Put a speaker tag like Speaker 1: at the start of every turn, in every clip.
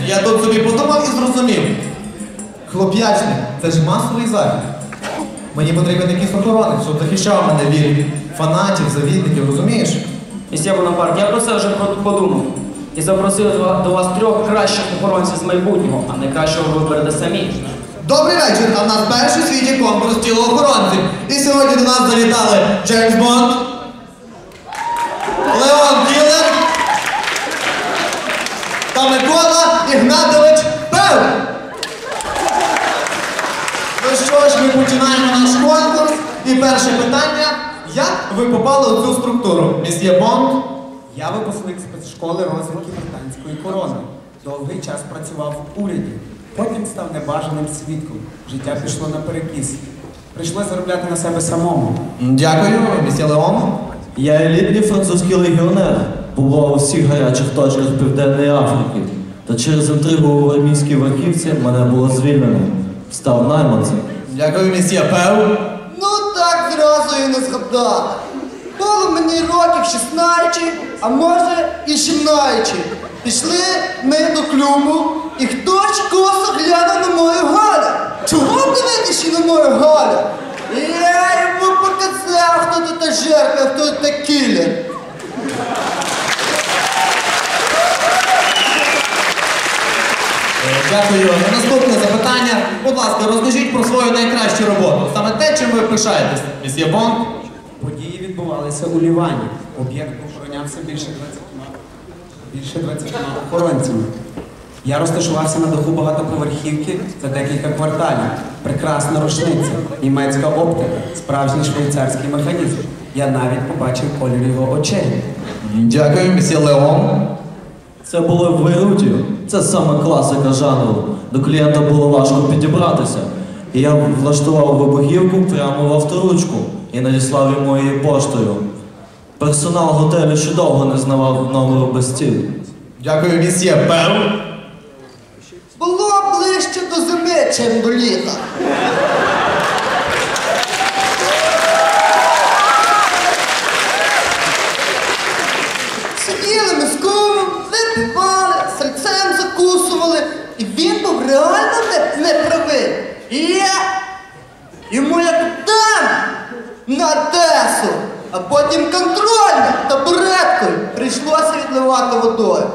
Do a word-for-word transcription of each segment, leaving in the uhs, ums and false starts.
Speaker 1: Я тут собі подумав і зрозумів. Хлоп'ячник – це ж масовий захід. Мені потрібен якийсь охоронець, щоб захищав мене від фанатів, завідників, розумієш?
Speaker 2: Місьє Бонапарт, я про це вже подумав. І запросив до вас трьох кращих охоронців з майбутнього, а найкращого ви виберете самі.
Speaker 1: Добрий вечір, а в нас перший у світі конкурс тілоохоронців. І сьогодні до нас завітали Джеймс Бонд, Леон Кілер та Микола Ігнатович Пев. Ну що ж, ми починаємо наш конкурс. І перше питання. Як ви попали у цю структуру, місьє Бонд?
Speaker 3: Я випускник спецшколи розвитку британської корони. Довгий час працював в уряді. Потім став небажаним свідком. Життя пішло наперекіс. Прийшлося заробляти на себе самому.
Speaker 1: Дякую, місьє Леон.
Speaker 4: Я елітний французький легіонер. Побував у всіх гарячих точках Південної Африки. Та через інтригу в армійській верхівці мене було звільнено. Став найманцем.
Speaker 1: Дякую, місьє Пев.
Speaker 5: Ну так зразу і не згадати. Було мені років шістнадцять, а може і сімнадцять. Пішли ми до клубу, і хтось косо глянув на мою Галю. Чого дивитися на мою Галю? І я йому показав, хто тут та жертва, хто тут та кілер.
Speaker 1: Дякую. Наступне запитання. Будь ласка, розкажіть про свою найкращу роботу. Саме те, чим ви пишаєтесь, місьє Бонд.
Speaker 3: Події відбувалися у Лівані. Об'єкт охоронявся більше двадцятьма, більше двадцятьма охоронцями. Я розташувався на даху багатоповерхівки за декілька кварталів. Прекрасна рушниця, німецька оптика, справжній швейцарський механізм. Я навіть побачив колір його очей.
Speaker 1: Дякую, місьє Леон.
Speaker 4: Це було в Бейруті. Це саме класика жанру. До клієнта було важко підібратися. І я влаштував вибухівку прямо в авторучку і надіслав йому її поштою. Персонал готелю ще довго не знавав номеру без стіл.
Speaker 1: Дякую, місьє Пев.
Speaker 5: Було ближче до зими, чим до літа. Сиділи ми з кумом, випивали, сальцем закусували, і він був реально не, не правий. І я йому як дам на Одесу, а потім контрольно табуреткою прийшлося відливати водою.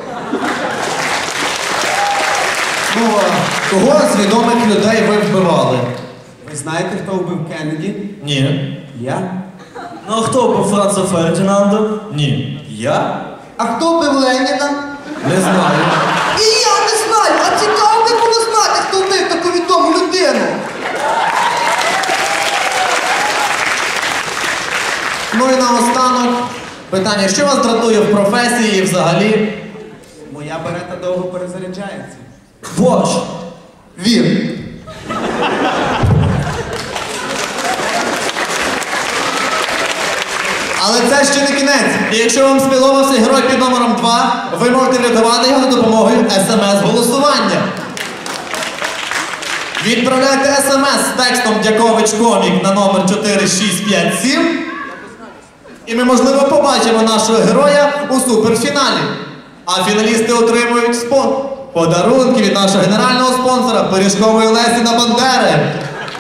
Speaker 1: Ну, кого з відомих людей ви вбивали?
Speaker 3: Ви знаєте, хто вбив Кеннеді?
Speaker 1: Ні.
Speaker 3: Я?
Speaker 4: Ну а хто був Франца Фердінанда?
Speaker 1: Ні.
Speaker 4: Я?
Speaker 5: А хто бив Леніна?
Speaker 1: Не знаю.
Speaker 5: І я не знаю, а цікаво би було знати, хто вбив таку відому людину.
Speaker 1: Ну і наостанок питання, що вас дратує в професії і взагалі?
Speaker 3: Моя берета довго перезаряджається.
Speaker 4: Бош!
Speaker 5: Він.
Speaker 1: Але це ще не кінець. І якщо вам сподобався герой під номером два, ви можете врятувати його за допомогою смс-голосування. Відправляйте смс з текстом «Дякович комік» на номер чотири шість п'ять сім. І ми, можливо, побачимо нашого героя у суперфіналі. А фіналісти отримують спо... подарунки від нашого генерального спонсора Пиріжкової Лесі на Бандери.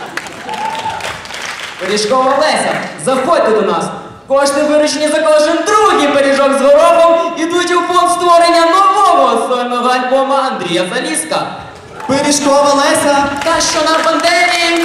Speaker 2: Пиріжкова Леся, заходьте до нас. Кошти, виручені за кожен другий пиріжок з горохом, ідуть у фонд створення нового сольного альбома Андрія Заліска.
Speaker 1: Пиріжкова Леся.
Speaker 2: Та що на Бандері